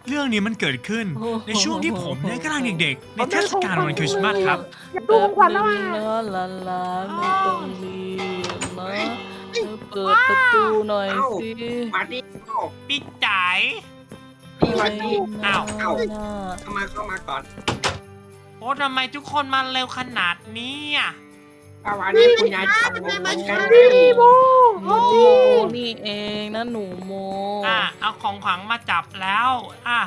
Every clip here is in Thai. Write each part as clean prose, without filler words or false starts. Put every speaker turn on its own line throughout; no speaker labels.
เรื่องนี้มันเกิดขึ้นในช่วงที่ผมเนี่ยกำลังเด็กๆในเทศกาลวันคริสต์มาสครับ
อยากดูของขวัญแล้วอ่ะ
นะหลานๆไม่ต้องรีบนะเปิดประตูหน่อยสิ
มาดิ
พี่จ๋าย
พี่มาดิ
อ้าว
เข้ามาก่อน
โอ้ทำไมทุกคนมาเร็วขนาดนี้อ่ะ
ป้าวานี่คุณยายจับผมเหมือนกัน
นี่โม
หนูโมนี่เองนะหนูโม
เอาของขวัญมาจับแล้ว
ค่ะ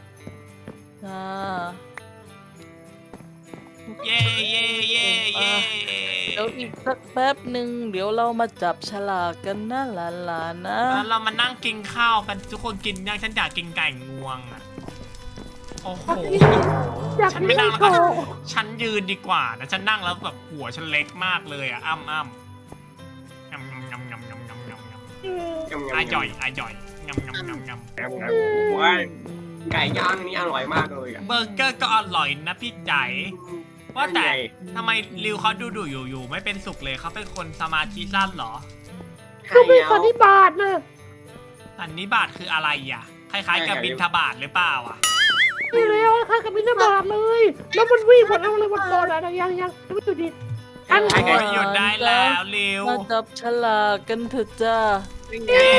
เย่เย่เย่เย่
เดี๋ยวอีกสักแป๊บหนึ่งเดี๋ยวเรามาจับฉลากกันนะหลานๆนะ
แล้วเรามานั่งกินข้าวกันทุกคนกินยังฉันอยากกินไก่งวงอ่ะโอ้โห
อยาก
ฉัน
มี
ไม่นั่ง
โช
แล้ว
ว์
ฉันยืนดีกว่านะฉันนั่งแล้วแบบหัวฉันเล็กมากเลยอ่ะอ้ำงำอร่อยงำ
ว้ายไก่ย่างนี่อร่อยมากเลยอ่ะ
เบอร์เกอร์ก็อร่อยนะพี่ใจว่าแต่ทำไมริวเขาดูอยู่ไม่เป็นสุขเลยเขาเป็นคนสมาธิสั้นเหรอ
ก็มีสันนิบาตนะ
สันนิบาตคืออะไรอ่ะคล้ายๆกับบิณฑบาตหรือเปล่าอ่ะ
นี่แล้วค่ะกับมินาบาตเลย แล้วมันวิ่งหมดแล้วเลยวันก่อนอะยังไม่จุดดิ
อันไก่
หยุดได้แล้วริว
มาจับฉลากกันเถอะจ้า
เย้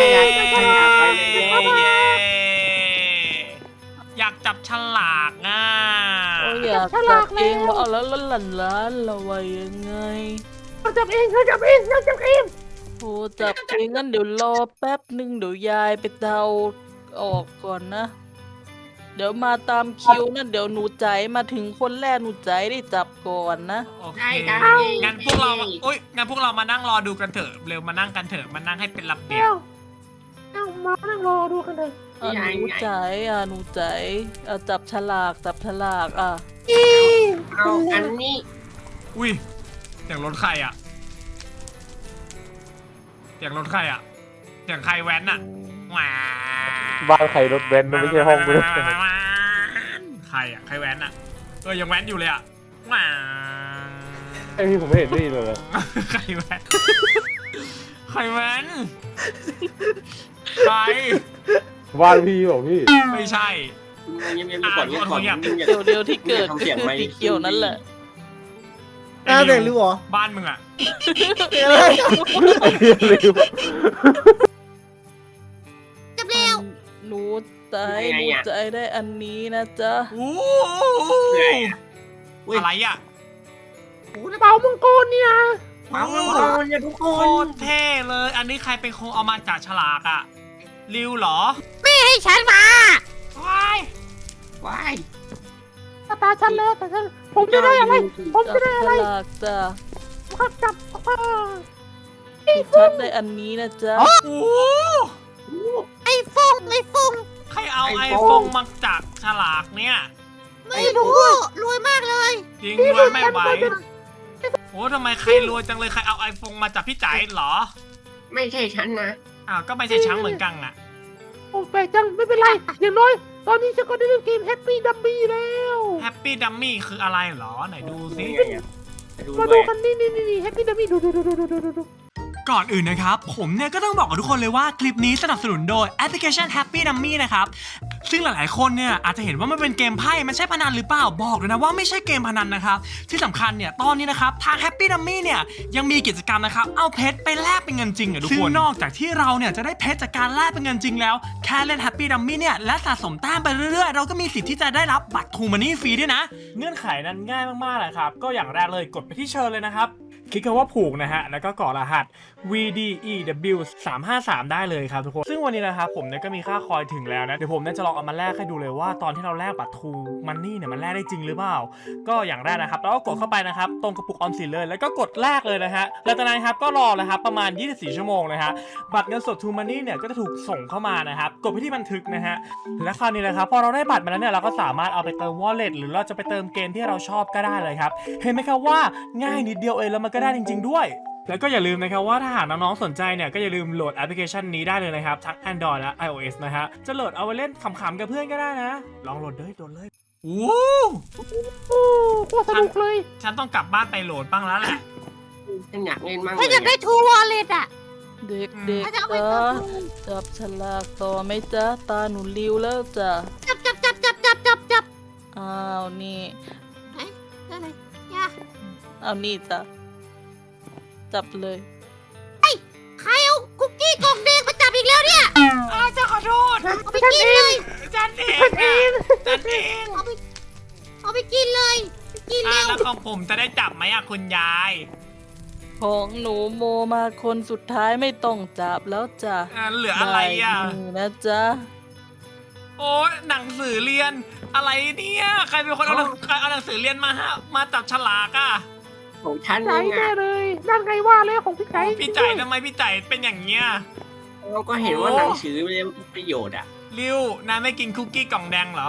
อยากจับฉลากอ่ะ
โอ้ยอยากจับเองว่าเอาแล้วหลานๆเราว่ายังไง
เราจับเองเราจับเองเราจับเอง
โอ้จับเองงั้นเดี๋ยวรอแป๊บหนึ่งเดี๋ยวยายไปเดาออกก่อนนะ เดี๋ยวมาตามคิวนั่นเดี๋ยวหนูใจมาถึงคนแรกหนูใจได้จับก่อนนะ
โอเคงั้นพวกเรางั้นพวกเรามานั่งรอดูกันเถอะเร็วมานั่งกันเถอะมานั่งให้เป็นระเบียบ
เอามานั่งรอดูกันเลย
หนูใจหนูใจจับฉลาก
เอาอันนี้
อุ้ยเสียงรถใครอ่ะเสียงรถใครอ่ะเสียงใครแว้นอ่ะว้า
บ้านใครรถเบนซ์มันไม่ใช่ห้องกูเลย
ใครอ่ะใครแว้นอ่ะยังแว้นอยู่เลยอ่ะว้า
ไอพี่ผมไม่เห็นด้วยเลย
ใครแว้นใครแว้นใคร
บ้านพี่บอกพี่
ไม่ใช่
ก่อนก่อน
เดี๋ยวที่เกิดคือสีเขียวนั่นแหละ
เด็กหรือหรอ
บ้านมึงอ่ะ
จับเร็ว
หนูใจได้อันนี้นะจ๊ะ
โอ้อะไรอ่ะ
เป่ามังกรนี่นะ
มาเนี่ยทุกค
โคน ตรเท่เลย อันนี้ใครเป็นคนเอามาจากฉลากอ่ะริวเหรอ
ให้ฉันมา
ว้าย
ว้าย
ตาฉันแล้วแต่ฉันผมจะได้อะไรผมจะได้อะไร
ฉลากจ้ะ
ขับจับ
ชัดได้อันนี้นะจ๊ะ
โอ้โห
ไอ้ฟง
ใครเอาไอโฟนมาจากฉลากเนี่ย
ไม่รู้รวยมากเลย
จริงด้วยไม่ไหวโอ้ทำไมใครรวยจังเลยใครเอาไอโฟนมาจากพี่จ๋ายเหรอ
ไม่ใช่ฉันนะ
อ้าวก็ไม่ใช่ช้างเหมือนกันน่ะ
โอ้แปลกจังไม่เป็นไรอย่างน้อยตอนนี้ฉันก็ได้เล่นเกมแฮปปี้ดัมมี่แล้ว
แฮปปี้ดัมมี่คืออะไรเหรอไหนดูสิ
มาดูกันนี่แฮปปี้ดัมมี่ดู
ก่อนอื่นนะครับผมเนี่ยก็ต้องบอกกับทุกคนเลยว่าคลิปนี้สนับสนุนโดยแอปพลิเคชัน Happy Dummy นะครับซึ่งหลายๆคนเนี่ยอาจจะเห็นว่ามันเป็นเกมไพ่มันใช่พนันหรือเปล่าบอกเลยนะว่าไม่ใช่เกมพนันนะครับที่สำคัญเนี่ยตอนนี้นะครับทาง Happy Dummy เนี่ยยังมีกิจกรรมนะครับเอาเพชรไปแลกเป็นเงินจริงอ่ะทุกคนซึ่งนอกจากที่เราเนี่ยจะได้เพชรจากการแลกเป็นเงินจริงแล้วแค่เล่น Happy Dummy เนี่ยและสะสมแต้มไปเรื่อยๆเราก็มีสิทธิ์ที่จะได้รับบัตร True Money ฟรีด้วยนะเงื่อนไขนั้นง่ายมากๆเลยครับก็อย่างแรกเลยกดไปที่เชิญเลยนะครับคลิกคำว่าผูกนะฮะแล้วก็กรอกรหัส VDEW 353ได้เลยครับทุกคนซึ่งวันนี้นะครับผมเนี่ยก็มีค่าคอยถึงแล้วนะเดี๋ยวผมเนี่ยจะลองเอามาแลกให้ดูเลยว่าตอนที่เราแลกบัตร True Money เนี่ยมันแลกได้จริงหรือเปล่าก็อย่างแรกนะครับเราก็กดเข้าไปนะครับตรงกระปุกออมสินเลยแล้วก็กดแลกเลยนะฮะแล้วจากนั้นครับก็รอเลยครับประมาณ24ชั่วโมงนะฮะบัตรเงินสด True Money เนี่ยก็จะถูกส่งเข้ามานะครับกดไปที่บันทึกนะฮะและคราวนี้นะครับพอเราได้บัตรมาแล้วเนี่ยเราก็สามารถเอาไปเติม Wallet หรือเราจะไปเติมเกมที่เราชอบก็ได้เลยครับเห็นไหมครับว่าง่ายนิดเดียวเองแล้วมันก็ได้จริงๆด้วยแล้วก็อย่าลืมนะครับว่าถ้าหากน้องๆสนใจเนี่ยก็อย่าลืมโหลดแอปพลิเคชันนี้ได้เลยนะครับทั้ง Android และ iOS นะฮะจะโหลดเอาไว้เล่นขำๆกับเพื่อนก็ได้นะลองโหลดเลยโอ้
โอ้โคตรสนุกเลย
ฉันต้องกลับบ้านไปโหลดบ้างแล้วแหละ
ฉันอยากเล่นมั่ง
ถ้าอยากได้ทูวอลเล็ตอ่ะ
เด็กๆจ้ะจับฉลากต่อไหมจ๊ะตาหนูริวแล้วจ้ะอ้าวนี่
อะไรย่า
เอานี่จ้ะจับเลย
ใครเอาคุกกี้กล่องแดงมาจับอีกแล้วเนี่ย
จะขอโทษ
เอาไปกินเลย
จันเอง จันเอง
เอาไปกินเลยกินเร็ว
แล้วของผมจะได้จับไหมอะคุณยาย
ของหนูโมมาคนสุดท้ายไม่ต้องจับแล้วจ้ะ
เหลืออะไรอะ
ได้มืนะจ๊ะ
โอ้ยหนังสือเรียนอะไรเนี่ยใครเป็นคนเอาใครเอาหนังสือเรียนมาฮะมาจับฉลากอะ
ของฉัน
ใจ
เอง
แน่
อะ
เลยนั่นไงว่าเลยของพี่ไก่
พี่จ่ายทำไมพี่จ่ายเป็นอย่างเงี้ย
เราก็เห็นว่าหนังสือมันมีประโยชน์อะ
ริวนายไม่กินคุกกี้กล่องแดงเหรอ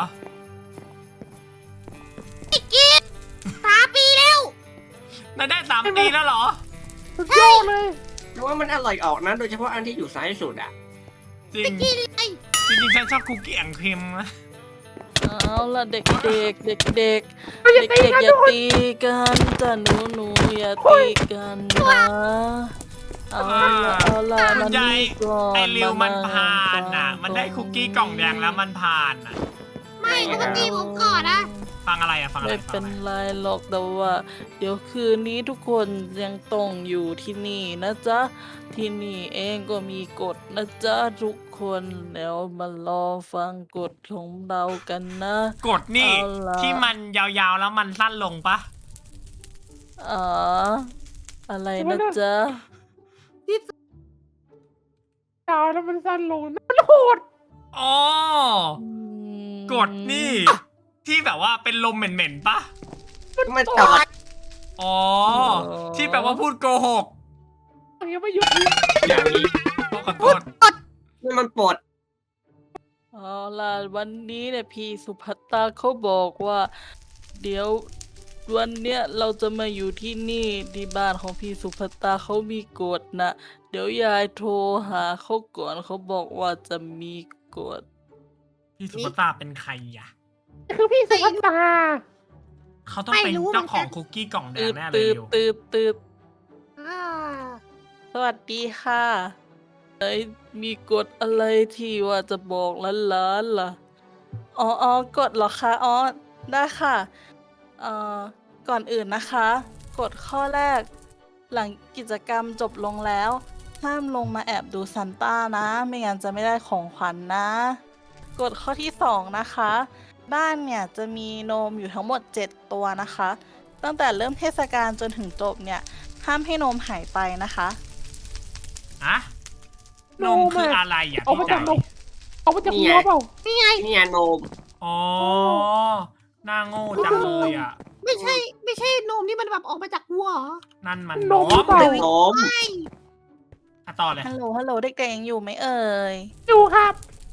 3 ปีแล้ว
นายได้3 ปีแล้วเหรอ
สุดยอดเลย
แต่ว่ามันอร่อยออกนะ โดยเฉพาะอันที่อยู่ซ้ายสุดอะ
จริงจริงๆฉันชอบคุกกี้แองครีมนะ
เอาล่ะเด็กๆเด็กๆเด็ก
อย่าตี
ๆ
กัน
อย่า
ทุกคน
ตีกันจ้ะหนูอย่าตีกันนะเอาล่ะ
คุ
มั
ณ
น
ยาย
นี่ก่อน
ไอริวมัน
ง
ผ่านน่ะ
ฟัง
มันได้คุกกี้กล่องแดงแล้วมันผ่านน่ะ
ไม่ปกติผมก่อนนะ
ฟังอะไรอะฟังอะไร
ไม่
ฟั
เป็
ง
น
อะไร
ไรหรอกแต่ว่า เดี๋ยวคืนนี้ทุกคนยังต้องอยู่ที่นี่นะจ๊ะ ที่นี่เองก็มีกฎนะจ๊ะทุกคนแล้วมารอฟังกฎของเรากันนะ
กดนี่
เอาล่ะ
ที่มันยาวๆแล้วมันสั้นลงปะ
อ๋ออะไรนะจ๊ะ
ดาวแล้วมันสั้นลงนั่นโหด
อ๋อ กดนี่ ที่แบบว่าเป็นลมเหม็นๆปะ
มันตอด
อ๋อ ที่แบบว่าพูดโกหก
ยังไม่หยุด
อย่างนี้
ขอโทษ
นี่มันปวด
เอาล่ะวันนี้เนี่ยพี่สุภัตตาเขาบอกว่า เดี๋ยววันเนี้ยเราจะมาอยู่ที่นี่ที่บ้านของพี่สุภัตตาเขามีกฎนะเดี๋ยวยายโทรหาเขาก่อนเขาบอกว่าจะมีกฎ
พี่สุภตาเป็นใครอะ
คือพี่สุภัตตา
เขาต้องเป็นเจ้าของคุกกี้กล่องแด
ตื
ง
ด
แน่เล
ตื
ย
ด
ริว
ตืดตืด
อ่า
สวัสดีค่ะมีกฎอะไรที่ว่าจะบอกหลานๆล่ะอ๋อกฎเหรอคะอ๋อได้ค่ะก่อนอื่นนะคะกฎข้อแรก หลังกิจกรรมจบลงแล้ว ห้ามลงมาแอบดูซันต้านะ ไม่งั้นจะไม่ได้ของขวัญนะกฎข้อที่2นะคะ บ้านเนี่ยจะมีโนมอยู่ทั้งหมด7ตัวนะคะ ตั้งแต่เริ่มเทศกาลจนถึงจบเนี่ยห้ามให้โนมหายไปนะคะ
อะนมคืออะไรอะ
เอา
พี่
มาจา
จ่าก ย
นมเอามาจากหัวเปล่านี่ไง
นี่ไงโนม
อ๋อหน้าโง่จังเลยอะ
ไม่ใช่นมที่มันแบบออกมาจากหัวเหรอ
นั่นมัน
น
น
มหรือเปล่า
ม
โนม
อะต่อเลย
ฮัลโหลเด็กๆยังอยู่ไหมเอ่ย
อยู่ครับ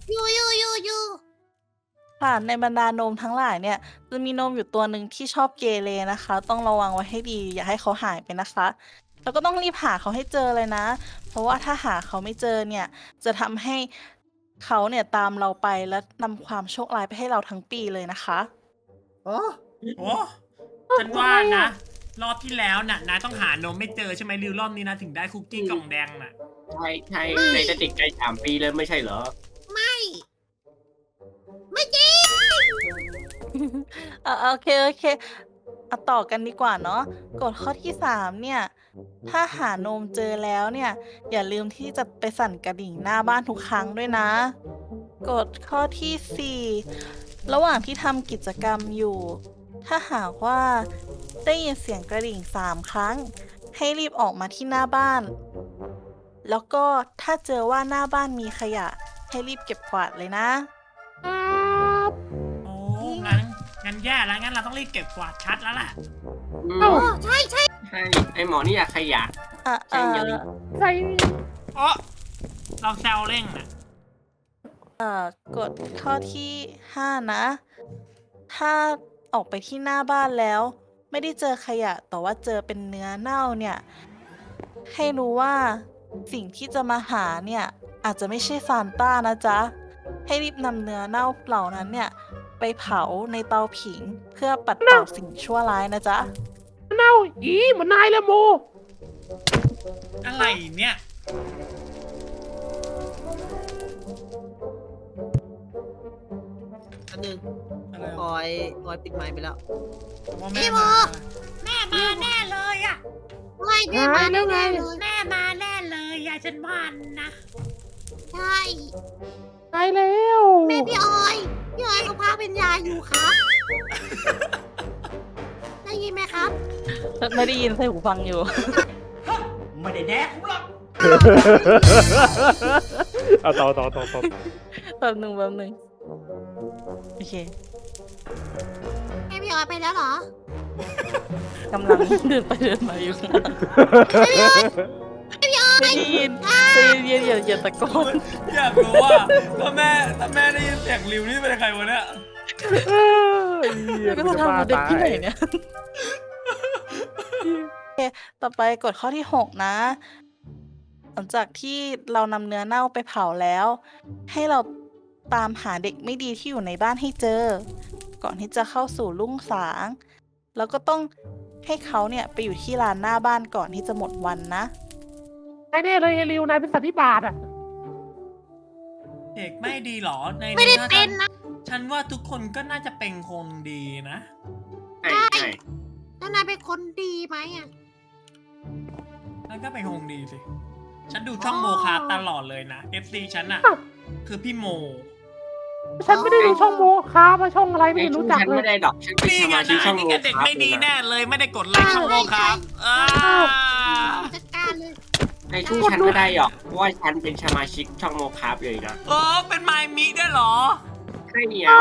ค่ะในบรรดาโนมทั้งหลายเนี่ยจะมีโนมอยู่ตัวหนึ่งที่ชอบเกเรนะคะ ต้องระวังไว้ให้ดี อย่าให้เขาหายไปนะคะ แล้วก็ต้องรีบหาเขาให้เจอเลยนะ เพราะว่าถ้าหาเขาไม่เจอเนี่ยจะทำให้เขาเนี่ยตามเราไปและนำความโชคร้ายไปให้เราทั้งปีเลยนะคะ
อ๋อ
โอ้ฉันว่านะ รอบที่แล้วน่ะนายต้องหานมไม่เจอใช่ไหมริวรอบนี้นะถึงได้คุกกี้กล่องแดงน่ะ
ใช่ในจะติดใจ3 ปีเลยไม่ใช่เหรอ
โอเคเอาต่อกันดีกว่าเนาะกฎข้อที่3เนี่ยถ้าหาโนมเจอแล้วเนี่ยอย่าลืมที่จะไปสั่นกระดิ่งหน้าบ้านทุกครั้งด้วยนะกฎข้อที่4ระหว่างที่ทำกิจกรรมอยู่ ถ้าหากว่าได้ยินเสียงกระดิ่ง3 ครั้ง ให้รีบออกมาที่หน้าบ้าน แล้วก็ถ้าเจอว่าหน้าบ้านมีขยะ ให้รีบเก็บกวาดเลยนะ
ครับ
โอ้งั้นแย่แล้วงั้นเราต้องรีบเก็บกวาดชัดแล้วล่ะ
เอ้า
ใช่ไอหมอนี่อยากขยะ
อ่ะ
ใช่อย่าลืม
ใส่
อ๋อเราแซวเร่งน่ะ
กฎข้อที่5นะ ถ้าออกไปที่หน้าบ้านแล้ว ไม่ได้เจอขยะแต่ว่าเจอเป็นเนื้อเน่าเนี่ย ให้รู้ว่าสิ่งที่จะมาหาเนี่ยอาจจะไม่ใช่ซานต้านะจ๊ะ ให้รีบนำเนื้อเน่าเหล่านั้นเนี่ยไปเผาในเตาผิงเพื่อปัดเป่าสิ่งชั่วร้ายนะจ๊ะ
เน่าอีเหมือนนายเลยโม
อะไรเนี่ย
อันหนึง
อะไร
ออยปิดไมค์ไปแล้ว
ว่าแม่มา
แม่มาแน่เลยอ่ะ
ไม่แม่มาแล้วไง
แม่มาแน่เลยอ่ะฉันมันนะ
ใช่
ไปแล้ว
แม่พี่ออยเขาพาเป็นยาอยู่ครับ ได้ยินไหมครับ
ไม่ได้ยินใส่หูฟังอยู่
ไม่ได้แดกกูหรอก
เอาต่อ
แป๊บหนึ่งโอเค
แม่พี่ออยไปแล้วเหรอก
ำลังเดินไปเดินมาอยู่ไม่ได้ยินอย่าตะโกน
อยากรู้ว่าถ้าแม่ได้ยินเสียงริวนี่เป็นใครวะเนี่ย
ก็จะทำกับเด็กที่ไหนเนี่ยโอเคต่อไปกฎข้อที่ 6 นะ หลังจากที่เรานำเนื้อเน่าไปเผาแล้ว ให้เราตามหาเด็กไม่ดีที่อยู่ในบ้านให้เจอ ก่อนที่จะเข้าสู่รุ่งสาง แล้วก็ต้องให้เขาเนี่ยไปอยู่ที่ลานหน้าบ้านก่อนที่จะหมดวันนะ
นายแน่เลยไอ้ริวนายเป็นสันนิบาตอ่ะ
เด็กไม่ดีหรอใน
ไม่ได้
ถ้า
เป็นนะ
ฉันว่าทุกคนก็น่าจะเป็นคนดีนะ
ใช่ใช่
แล้วนายเป็นคนดีไหมอ่ะ
นั่นก็เป็นคนดีสิ ฉันดูช่องโมคาตลอดเลยนะ FC ฉันอะคือพี่โม
ฉันไม่ได้ดูช่องโมคามาช่องอะไรไม่
ไอ้
เห็น
ชู้
รู้จัก
ฉัน
เล
ไม่
ย
ได้ดอกฉันเป็น
นี่
ส
ไง
มาชิก
นะ
ช่อง
นี่
โม
ไงเด็ก
ครับ
ไม่ดี
เลย
แน่
นะ
เลยไม่ได้กดไลค์ช่องโมคา
จัดการเลย
ไอ้ชู้ฉันไม่ได้หรอกเพราะว่าฉันเป็นสมาชิกช่องโมครับเลยนะ
เป็นไมมิด้วยเหรอ
ใช่เนี่ย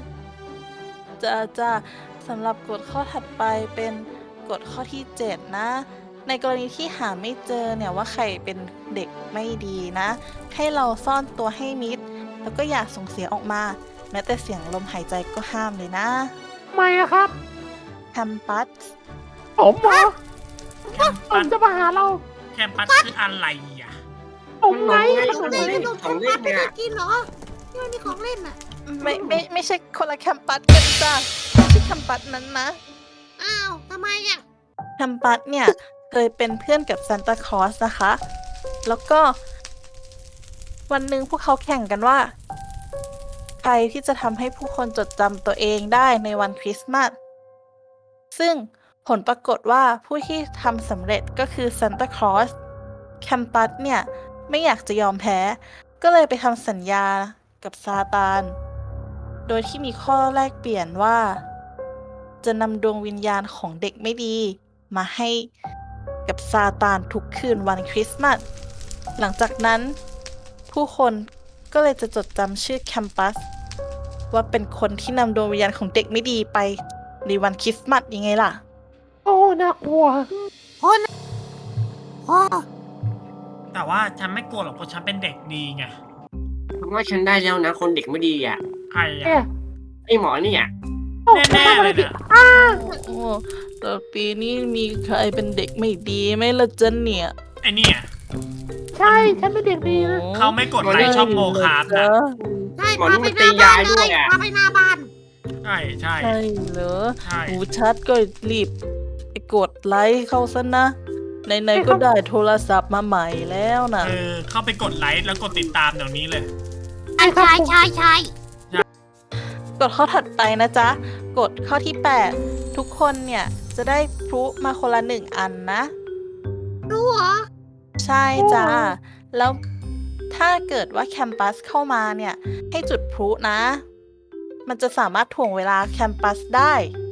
จะสำหรับกฎข้อถัดไปเป็นกฎข้อที่ 7 นะ ในกรณีที่หาไม่เจอเนี่ยว่าใครเป็นเด็กไม่ดีนะ ให้เราซ่อนตัวให้มิด แล้วก็อย่าส่งเสียงออกมา แม้แต่เสียงลมหายใจก็ห้ามเลยนะ
ทำไมอะครับ
แคมปัส
ผมเหรอ
แคม
ผ
ปั
ม
ส
จะมาหาเรา
แคมปัสคืออะไรอ่ะ
ผมไง
ของ
เด็ก
เล่
ข
น
นม
ของ
ปั
เล่
ง
น
ไม่
เนี่ย
ได้กินเหรอที่มันมีของเล่นอ่ะ
ไม่ใช่คนละแคมปัสกันจ้ะไม่ใช่แคมปัสนั้นนะ
อ้าวทำไมอ่ะ
แคมปัสเนี่ยเคยเป็นเพื่อนกับซานตาคลอสนะคะ แล้วก็วันหนึ่งพวกเขาแข่งกันว่า ใครที่จะทำให้ผู้คนจดจำตัวเองได้ในวันคริสต์มาส ซึ่งผลปรากฏว่าผู้ที่ทำสำเร็จก็คือซานตาคลอส แคมปัสเนี่ยไม่อยากจะยอมแพ้ ก็เลยไปทำสัญญากับซาตาน โดยที่มีข้อแลกเปลี่ยนว่า จะนำดวงวิญญาณของเด็กไม่ดีมาให้กับซาตานทุกคืนวันคริสต์มาส หลังจากนั้นผู้คนก็เลยจะจดจำชื่อแคมปัสว่าเป็นคนที่นำดวงวิญญาณของเด็กไม่ดีไปในวันคริสต์มาสยังไงล่ะ
โอ้น่ากลัว
พ่อ
แต่ว่าฉันไม่กลัวหรอกเพราะฉันเป็นเด็กดีไง
เพราะว่าฉันได้แล้วนะคนเด็กไม่ดีอ่ะ
ใคร
เอ๊ะ
อ่ะ
ไอ้หมอเนี่ย
แน่ๆเลยเนี่ย
โอ้แต่ปีนี้มีใครเป็นเด็กไม่ดีไหมล่ะจ๊ะเนี่ย
ไอ้เนี่ย
ใช่ ฉันเป็นเด็กดีนะ
เขาไม่กดไลค์ช่องโมคานะ
ใช่พาไปหน้าบ้านเลยพาไปหน้าบ้าน
ใช่ใช่
ใช่เหรอ
ใช่
หูชัดก็รีบไปกดไลค์เข้าซะนะไหนๆก็ได้โทรศัพท์มาใหม่แล้วนะ
เข้าไปกดไลค์แล้วกดติดตามเดี๋ยวนี้เลย
ใช่
กดข้อถัดไปนะจ๊ะ กดข้อที่ 8 ทุกคนเนี่ยจะได้พลุมาคนละ1 อันนะ
รู้เหรอ
ใช่จ้า แล้วถ้าเกิดว่าแคมปัสเข้ามาเนี่ยให้จุดพลุนะ มันจะสามารถถ่วงเวลาแคมปัสได้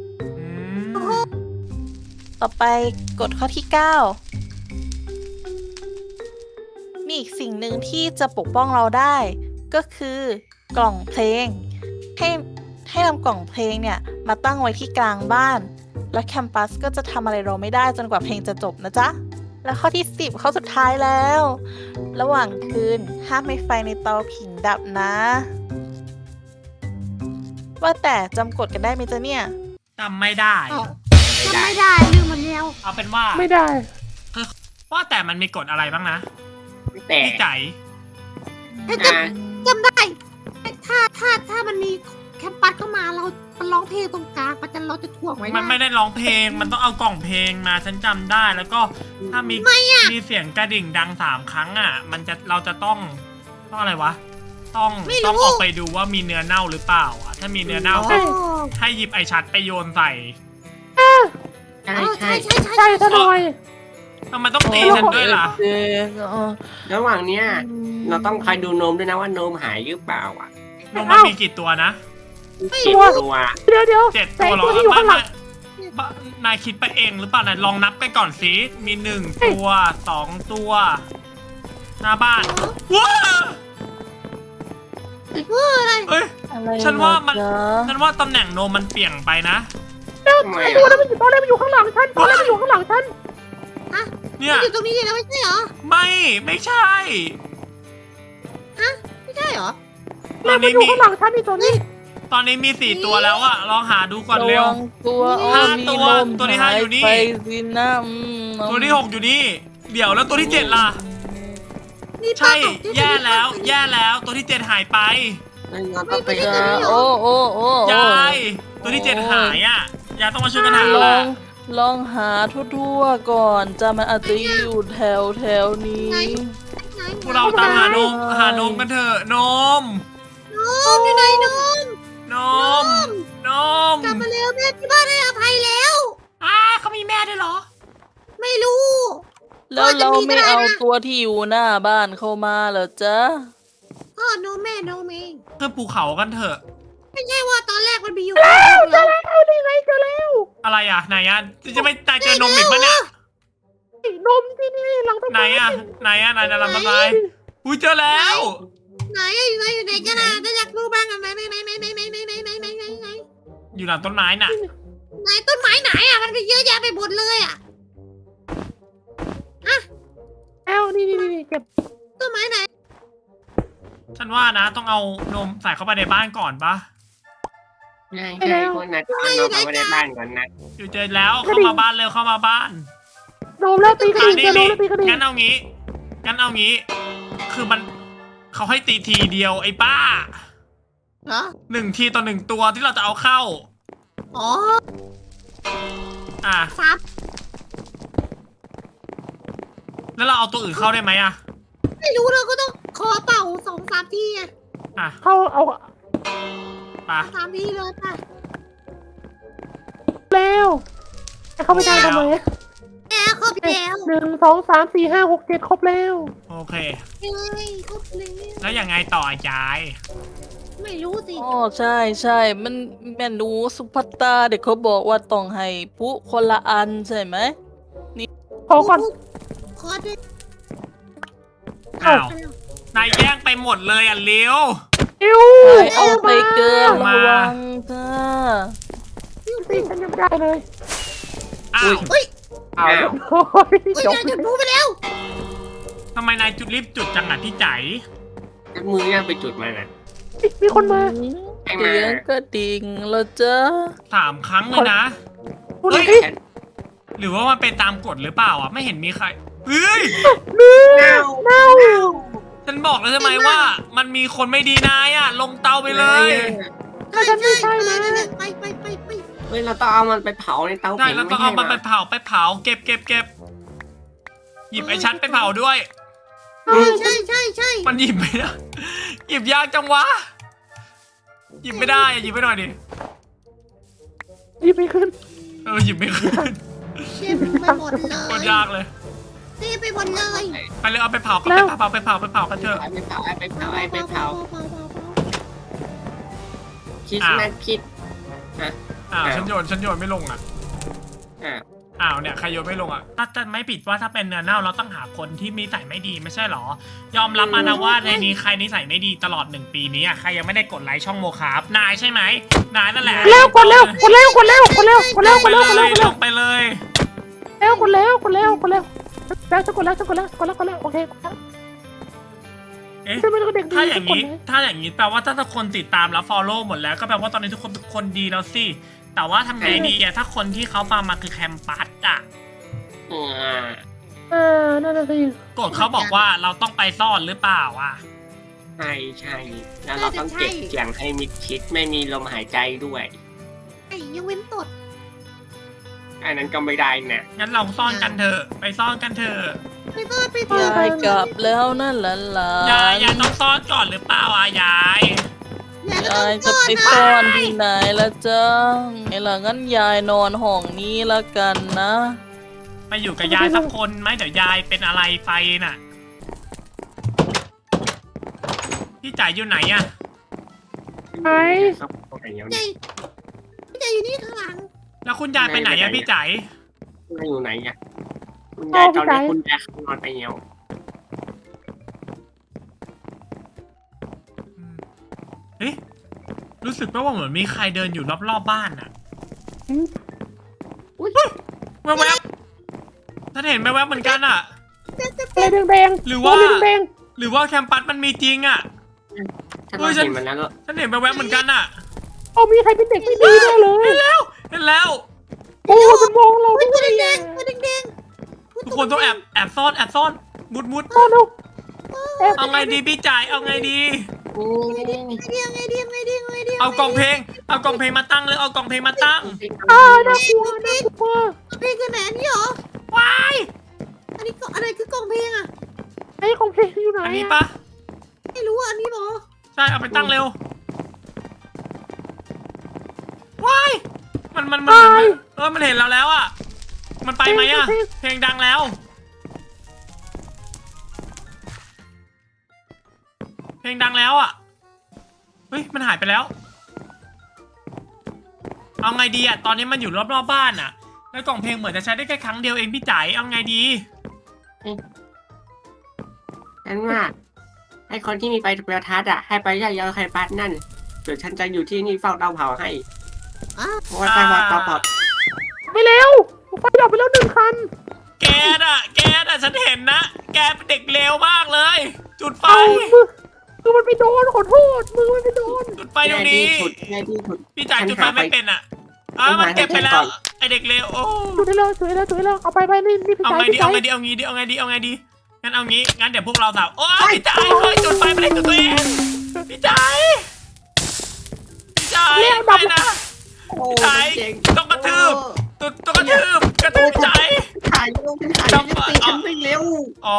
ต่อไปกดข้อที่ 9 มีอีกสิ่งหนึ่งที่จะปกป้องเราได้ ก็คือกล่องเพลง ให้นำกล่องเพลงเนี่ยมาตั้งไว้ที่กลางบ้าน แล้วแคมปัสก็จะทำอะไรเราไม่ได้จนกว่าเพลงจะจบนะจ๊ะ และข้อที่ 10 ข้อสุดท้ายแล้ว ระหว่างคืนห้ามให้ไฟในเตาผิงดับนะ ว่าแต่จำกฎกันได้ไหมจ๊ะเนี่ย
จำไม่ได้
จำไม่ได้ลืมหมดแล้ว
เอาเป็นว่า
ไม่ได้
ว่าแต่มันมีกฎอะไรบ้างนะ
แต่
พี่ใจ
อ่า
จำได้ ถ้ามันมีแคมปัสเข้ามาเราร้องเพลงตรงกลางเราจะถ่วงไว้
มันไม่ได้ร้องเพลง มันต้องเอากล่องเพลงมาฉันจำได้ แล้วก็ถ้ามีเสียงกระดิ่งดัง3 ครั้งอ่ะ เราจะต้องอะไรวะ ต้องออกไปดูว่ามีเนื้อเน่าหรือเปล่าอ่ะ ถ้ามีเนื้อเน่าก็
โอ้
ให้หยิบไอชัดไปโยนใส่
ใช่
ใช่
ใช่
ใช่ใช่
ใช่ซะหน่อย
ทำไมต้องตีฉันด้วยล่ะ
เด็ก
ระหว่างเนี้ยเราต้องคอยดูนมด้วยนะว่าโนมหายหรือเปล่าอ่ะ
นมมันมีกี่ตัวนะ
กี่ตัว
เดี๋ยว
7
แต่
ตัวเหรอ
ตัวที่อยู่ข้างหลัง
นายคิดไปเองหรือเปล่านายลองนับไปก่อนสิมี1 ตัว 2 ตัว หน้าบ้านว้า
อะไร
เอ้ย
อะไร
ฉันว่ามัน
เหรอจ๊ะ
ฉันว่าตำแหน่งโนมมันเปลี่ยนไปนะ
ทำไม
ตัว
อ่ะ
นั้นมันอยู่ตอนแรกมันอยู่ข้างหลังฉันตอนแรกมันอยู่ข้างหลังฉัน
เนี่ย
อยู่ตรงนี้เลยนะไม่ใช่เหรอ
ไม่ใช่
ไม่ใช่เหรอ
ตอน
มัน
นี้
อยู่
มี
ข้างหลังฉันนี่ตัวนี้
ตอนนี้มี4 ตัวแล้วอะลองหาดูก่อนเร็ว
ระวังตัวอ้อ
ห้า
มี
ตัว
ลม
ตัวที่ห้าอยู่นี่
หไปสินะ
ตัวที่ 6 อยู่นี่ เดี๋ยวแล้วตัวที่ 7 ล่ะ
นี่
ใช่
ป้าบอก
แย่แล้วตัวที่ 7 หายไป
เราต้องไป
จ้ะ
หา
โอ้โอ้โอ้
ยายตัวที่ 7 หายอะยายต้องมาช่วยกันหา
ล
แห
อ
ละ
งลองหาทั่วๆก่อนจะมันอาจจะอยู่แถวนี้
พวกเราตามหาโนมกันเถอะนม
นมอยู่ไหนนม
นมนม
กลับมาเร็วแม่ที่บ้านให้อภัยแล้ว
เขามีแม่ด้วยเหรอ
ไม่รู้
แล้วเราไม่เอา
ก็จะมีก็ได้นะ
ตัวที่อยู่หน้าบ้านเข้ามาเหรอจ๊ะ
พ่อโนมแม่โนมเอง
ขึ้นภูเขากันเถอะ
ไม่ใช่ว่าตอนแรกมันมีอยู่
เจอแล้วนี่ไงเจอแล้ว
อะไรอะไหนอะจะไม่ตายเจอนมอีกปะเนี่ย
นมที่นี่หลังต้น
ไหน
ไม้
อะไหนจะทำอะไรอุ้ยเจอแล้ว
ไหนอยู่ไหนกันนะถ้าอยากรู้บ้างกันไหน
อยู่หลังต้นไม้น่ะ
ไหนต้นไม้ไหนอ่ะมันก็เยอะแยะไปหมดเลยอ่ะ
เอ้านี่เก็บ
ต้นไม้ไหน
ฉันว่านะต้องเอานมใส่เข้าไปในบ้านก่อนปะ
ใช่คนนั้นต้องเอานมไปไว้ในบ้านก่อนนะ
อยู่เจอแล้วเข้ามาบ้านเร็วเข้ามาบ้าน
นมแล้วตีกระดิ่งเจอนมแล้วตีกระดิ่ง
งั้นเอางี้ คือมันเขาให้ตีทีเดียวไอ้ป้า
เหรอ
1 ทีต่อ 1 ตัวที่เราจะเอาเข้า
อ๋อ
อ่ะ
ซับ
แล้วเราเอาตัวอื่นเข้าได้ไหมอ่ะ
ไม่รู้เราก็ต้องขอเป่า2-3 ทีอ่ะ
อ่ะ
เข้าเอา
ป่ะ
3 ทีเลยป่ะ
แล้วเข้าไปได้ทำไม
แกครบแล้ว
1 2 3 4 5 6 7ครบแล้ว
โอเค
เฮ้ยครบแล้ว
แล้วยังไงต่อยาย
ไม่รู้สิ
อ๋อใช่มันแม่หนูสุภัตตาเด็กเขาบอกว่าต้องให้ผู้คนละอันใช่ไหม
ขอก่อน
ขอด้วย
อ้าว นายแย่งไปหมดเลยอ่ะเลี้ยว
อิ้ว
ไปเอาไปเกิน
มา
ระวังจ้า
ตีฉันยังได้เลย
อ้าว
เฮ้ย
อ้าว
โอ้ย
เฮ้ย
จบ
นายจุดพลุไปแล้ว
ทำไมนายจุดรีบจุดจังอ่ะพี่ใจ
มือย่างไปจุดมันอ่ะ
มีคนมา
ไอ้มา
เสียงกระดิ่งแล้วจ้า
3 ครั้งเลยนะ
คุณ
เฮ้ย
ดิ
หรือว่ามันเป็นตามกฎหรือเปล่าอ่ะ ไม่เห็นมีใคร เฮ้ย
เน่า
เน่า
ฉันบอกแล้วใช่ไหมว่า มันมีคนไม่ดีนายอ่ะ ลงเตาไปเลย
ถ้าฉันไม่ใช่นะ
ไป
เฮ้ยเราต้องเอามันไปเผาในเตา
ได้
ผิง
แล้ว
ไม่
ต้อง
ใช่
เอามัน
เหร
ไป
อ
เผาเก็บหยิบไอ้ชัดไปเผาด้วย
ใช่
มันหยิบไม่ได้ หยิบยากจังวะ หยิบไม่ได้อะหยิบไปหน่อยดิ
หยิบไม่ขึ้น
หยิบไม่ขึ้น
เต็มไปหมดเล
โคตร
ย
ยากเลย
เต็มไปหมดเลย
ไปเลยเอาไปเผากัน
แล้ว
ไปเผากันเถอะ
ไปเผาคิดนะคิด
อ้าว
อ้าว
ฉันโยนไม่ลงอ่ะ
อ่ะ
อ้าวเนี่ยใครโยนไม่ลงอ่ะถ้าจะไม่ผิดว่าถ้าเป็นเนื้อเน่าเราต้องหาคนที่มีนิสัยไม่ดีไม่ใช่หรอ ยอมรับมานะว่าในนี้ใครนิสัยไม่ดีตลอด1 ปีนี้อ่ะใครยังไม่ได้กดไลค์ช่องโมคาฟนายใช่ไหมนายนั่นแหละ
กดแล้วกดแล้ว
ลงไปเลย
โอเค
เอ๊ะ
ฉันไม่ต้องเด็กดี
ถ้าอย่างนี้แปลว่าถ้าคนติดตามแล้ว follow หมดแล้วก็แปลว่าตอนนี้ทุกคนเป็นคนดีแล้วสิแต่ว่าทำไงดีอะถ้าคนที่เขามาคือแคมปัสอะ
นั่นน่ะสิ
กฎเขาบอกว่าเราต้องไปซ่อนหรือเปล่าอะ
ใช่แล้วเราต้องเก็บเสียงให้มิดชิดไม่มีลมหายใจด้วย
ไอ้ยังเว้นตด
อันนั้นก็ไม่ได้นะ
งั้นเราซ่อนกันเถอะไปซ่อนกันเถอะ
ไปซ่อน
ยายกลับแล้วนั่นหลาน
ยายต้องซ่อนก่อนหรือเปล่าอะยาย
ย
ยายจะไปซ่อนที่ไหนละจ๊ะไอ้ล่ะงั้นยายนอนห้องนี้ละกันนะ
ไปอยู่กับยายสักคนไหมเดี๋ยวยายเป็นอะไรไปน่ะ พี่จ๋าอยู่ไหนอะ
ไหน
ครับตรงไหนเนี่ย
ใจใจอยู่นี่ข้างหลัง
แล้วคุณยายไปไหนอะพี่จ๋า
คุณยายอยู่ไหนเนี่ยคุณยายตอนนี้คุณยายนอนไปแล้ว
เอ๊ะรู้สึกว่าเหมือนมีใครเดินอยู่รอบๆบ้านน่ะ
อุ้ย
แวบๆท่านเห็นแวบๆเหมือนกันอะ
อะไรแดงๆ
หรือว่า
อะไรแดง
หรือว่าแคมปัสมันมีจริงอะ
ถ้าเราเห็นมันแล้วก็
ท่านเห็นแวบๆเหมือนกันอะ
ๆเอามีใครเป็นเด็กไม่ดีแน่เลย
เห็นแล้ว
โอ้มันมองเรา
อุ้ย
ด้
ตัว
วย
แด
อะ
งๆตัวแดง
ทุกคนต้องแอบซ่อนมุด
โอ้โนแอบ
เอาไงดีพี่จ๋าเอาไงดี
โอ้
ๆไงดีไงดี
เอากล่องเพลงมาตั้งเลยเอากล่องเพลงมาตั้ง
น่ากลัวน่ากลัว
เพลงคือไหนอันนี้เหรอ
ว้าย
อันนี้ก็อะไรคือกล่องเพลงอะ
ไอ้ของเพลงอยู่ไหน
อันนี้
อะ
ปะ
ไม่รู้อันนี้เหรอ
ใช่เอาไปตั้งเร็วว้ายมันเหมือนมันเห็นเราแล้วอ่ะมันไปไหมอ่ะเพลงดังแล้ว เพลงดังแล้วอ่ะเฮ้ยมันหายไปแล้ว เอาไงดีอ่ะตอนนี้มันอยู่รอบๆบ้านอ่ะแล้วกล่องเพลงเหมือนจะใช้ได้แค่ครั้งเดียวเองพี่จ๋าเอาไงดี
ฉันว่าให้คนที่มีไฟประทัดอ่ะให้ไปย่ายใครปัดนั่นเดี๋ยวฉันจะอยู่ที่นี่เฝ้าเตาเผาให้
อ่ะ
เพราะว่าไฟวัดเตาเผา
ไปเร็วไฟดับไปแล้ว1 คัน
แกน่ะฉันเห็นนะแกเป็นเด็กเลวมากเลย จุดไฟ
เอามือมันไปโดนขอโทษมือมันไปโดน
จุดไฟตรงนี้
ง่ายที่สุด
พี่จ่ายจุดไฟไม่เป็นอ่ะมันเก็บไปแล้วไอเด็กเลวโอ้
จุดได้แล้วจุดได้แล้วจุดได้แล้วเอาไปนี่พี่
เอา
ชาย
ไงดี
พี่
เอา
ชาย
ไงดีงั้นเอางี้งั้นเดี๋ยวพวกเราสาวโอ้พี่จ่ายเฮ้ยจุดไฟไม่ได้จุดตัวเองพี่จ่ายไปนะ
โอ้
จ่ายต้องกระทืบต้องกระทืบพี่จ่าย
ถ่ายเร็วถ่ายตีฉันไปเร็ว
อ๋อ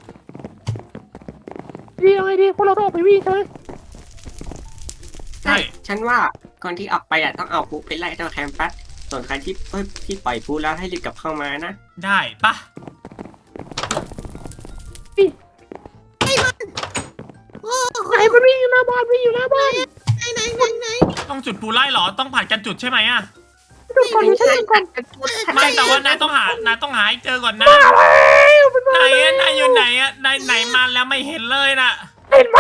ดีเอาไงดีพวกเราต้องออกไปวิ่งใช่ไหม
ใช่
ฉันว่าก่อนที่ออกไปอ่ะต้องเอาปุ๊ไปไล่เจ้าแคมปัสส่วนใครที่ปล่อยปุ๊แล้วให้รีบกลับเข้ามานะ
ได้ปะ
โอ้โห
ไหนมันวิ่งอยู่หน้าบ้านวิ่งอยู่หน้าบ้าน
ไหน
ต้องจุดปูไล่หรอต้องผัดกันจุดใช่ไหมอ่ะ
จุดก่อนดูฉันเล่นก่อน
ไม่แต่ว่านายต้องหาให้เจอก่อนนะ
มันมาแล้ว
นายอยู่ไหนอ่ะไหนมาแล้วไม่เห็นเลยน่ะ
เห็นไหม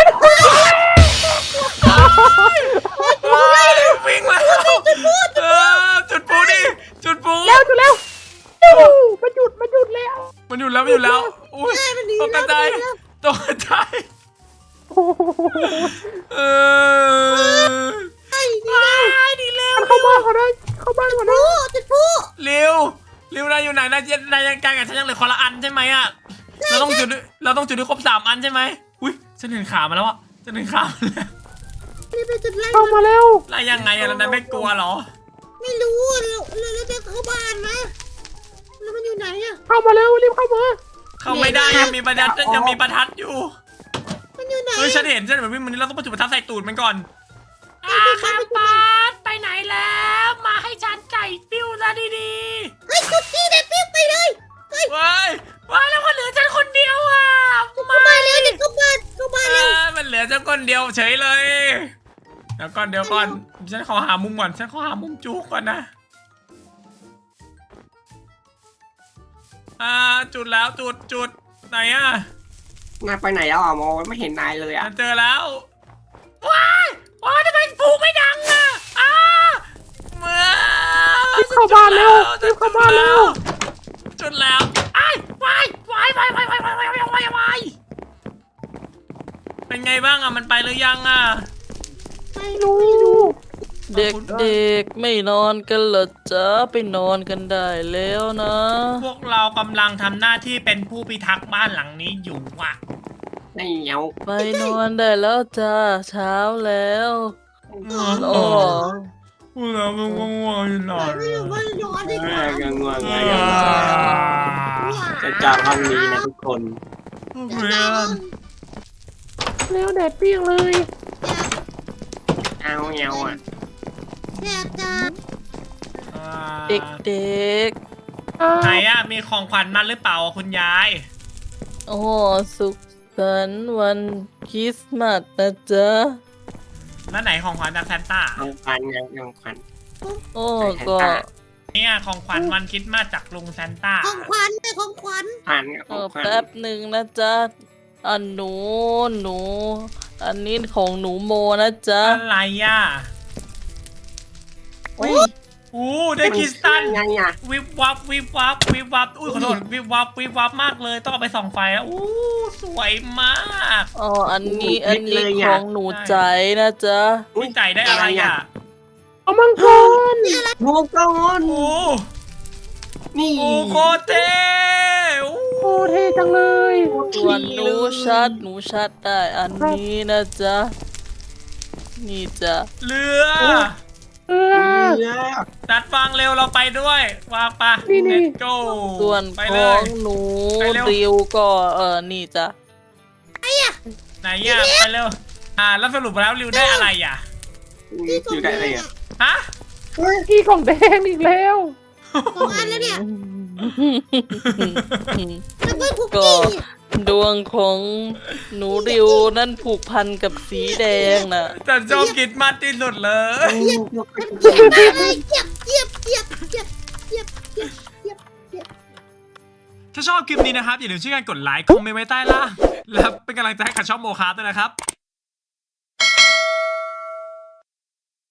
วิ่งแล้วจุดปูดิจุดปู
แล้วจุดแล้วมันหยุดแล้ว
มันอยู่แล้วอุ้ยตกใจเออดีเร็ว
มันเข้าบ้านก่อนเลยเข้าบ้านก่อนนะ
จุดผู้
เร็วนายอยู่ไหนนายยังการกับฉันยังเหลือคนละอันใช่ไหมอ่ะเราต้องจุดด้วยครบ3 อันใช่ไหมอุ้ยฉันเห็นขามาแล้วอ่ะฉันเห็นขามาแล้ว
นี่เป็นจุดไล่
เข้ามาแล้ว
ไล่ยังไงอะแล้วนายไม่กลัวเหรอ
ไม่รู้เราจะเข้าบ้านนะแล้วมันอยู่ไหนอะ
เข้ามาแล้วรีบเข้ามา
เข้าไม่ได้ยังมีประทัดอยู่
มันอยู่ไหน
เฮ้ยฉันเห็นวิ่งมันนี้เราต้องไปจุดประทัดใส่ตูดมันก่อน
แคมปัสไปไหนแล้ว มาให้ฉันไก่ปิ้วซะดี
เฮ้ยจุดที่เด็ดปิ๊บไปเลย
ว้าย
ๆว่าแล้วก็เหลือฉันคนเดียวอ่ะ
เข้าบ้านแล้วเด็กเข้าบ้านแล้ว
มันเหลือเจ้าก้นเดียวเฉยเลยเดี๋ยวก่อนฉันขอหามุมก่อนฉันขอหามุมจุกก่อนนะจุดแล้วจุดไหนอ่ะ
นายไปไหนแล้วอ่ะโมไม่เห็นนายเลยอ่ะ
เจอแล้ว
ว้ายทำไมผูกไม่ดังอ่ะ
เมื่อ
รีบเข้าบ้านเร็วรีบเข้าบ้านเร็ว
จุดแล้ว
วาย
เป็นไงบ้างอ่ะมันไปหรือยังอ่ะ
ไม่รู้
เด็กๆไม่นอนกันเหรอจ๊ะไปนอนกันได้แล้วนะ
พวกเรากำลังทำหน้าที่เป็นผู้พิทักษ์บ้านหลังนี้อยู่อ่ะ
ไม่เหนียว
ไปนอนได้แล้วจ้าเช้าแล้วโอ้
พวกเราไม่ง่วงๆหน่อย
ไม่อยู่บ้านนอนดีกว่า
ยังง่วงจะจากห้องนี้นะทุกคน
แล้วแดดเปรี้ยงเลย
อ่าเอาเงาอ่ะ
แซ่บจัง
เด็ก
ไหนอะมีของขวัญมาหรือเปล่าคุณยาย
ๆ โอ้สุขสันต์วันคริสต์มาสนะจ๊ะ
แล้วไหนของขวัญจากแซนต้า
ของขวัญยังของขวัญ
โอ้
ใช่
ก็
ค่ะ
เนี่ยของขวัญวันคริสต์มาสจากลุงแซนต้า
ของขวัญเลยของขวัญ
ขวัญของขวัญ
แป๊บหนึ่งนะจ๊ะอันหนู อันนี้ของหนูโมนะจ๊ะ
อะไรอ่ะ
โอ้ย
อู้ได้คริสตัล
ไงอ่ะ
วิบวับวิบวับวิบวับอุ้ยขอโทษวิบวับวิบวับมากเลยต้องเอาไปส่องไฟแล้วอู้สวยมาก
อ๋ออันนี้
โอ้ยเล็กเลย
ข
อะ
องหนูใจนะจ๊ะ
พี่ใจได้อะไรอ่ะ
เอามังกร
โมกอน
อู้
นี่
โอ้โคตรเท่อู้
โอ้เท่จังเลย
ส่วนหนูชัดได้อันนี้นะจ๊ะ นี่จ้ะ
เรือ
เออ
เรือ
ตัดวางเร็วเราไปด้วยวางปะ
นี่
let's go
ส่วน
ไป
ข
เล
อย งหนู
ไปเร็ว
ริวก็นี่จ้ะ
ไหนอ่ะไปเร็วแล้วสรุปแล้วริวได้อะไรอ่ะ
อยู่ได้อะไรอ่ะ
ฮะ
อีกล่องแดงอีกแล้ว
สองอันแล้วเนี่ยแล้วก็คุก
ก็
กี้
ดวงของหนูริวนั่นผูกพันกับสีแดงน่ะ
แต่ชอบคิดมากที่สุดเลย
เยียบเลยเยียบ
ถ้าชอบคลิปนี้นะครับ อย่าลืมช่วยกันกดไลค์ คอมเมนต์ไว้ใต้ล่าง และเป็นกำลังใจให้กับช่องโมคาร์ด้วยนะครับ